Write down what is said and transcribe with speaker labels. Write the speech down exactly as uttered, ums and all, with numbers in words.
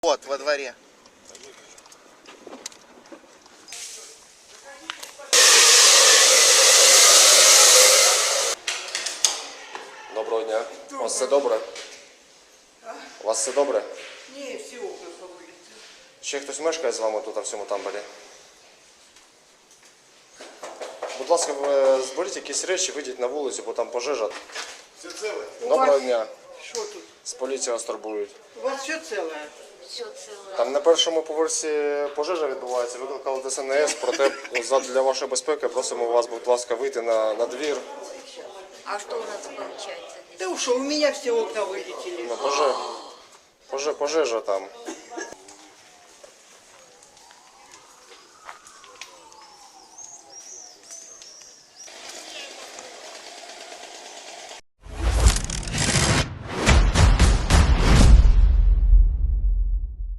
Speaker 1: Вот, во дворе.
Speaker 2: Доброго дня. У вас все добре? У вас все добре?
Speaker 3: Ні, всі окна повилітали.
Speaker 2: Ще хтось мешкає з вами тут, в цьому тамбурі? Будь ласка, ви зберіть якісь речі, вийдіть на вулицю, бо там пожежа.
Speaker 1: Все целое?
Speaker 2: Доброго дня.
Speaker 3: Що тут?
Speaker 2: З поліції вас турбують.
Speaker 3: У вас все ціле?
Speaker 4: Все целое.
Speaker 2: Там на першому поверсі пожежа відбувається, викликали Д С Н С, проте для вашої безпеки просимо вас, будь ласка, вийти на, на двір.
Speaker 4: А что у нас получается здесь?
Speaker 3: Та що, у мене всі окна вилетіли.
Speaker 2: Ну, поже... Поже... Пожежа там.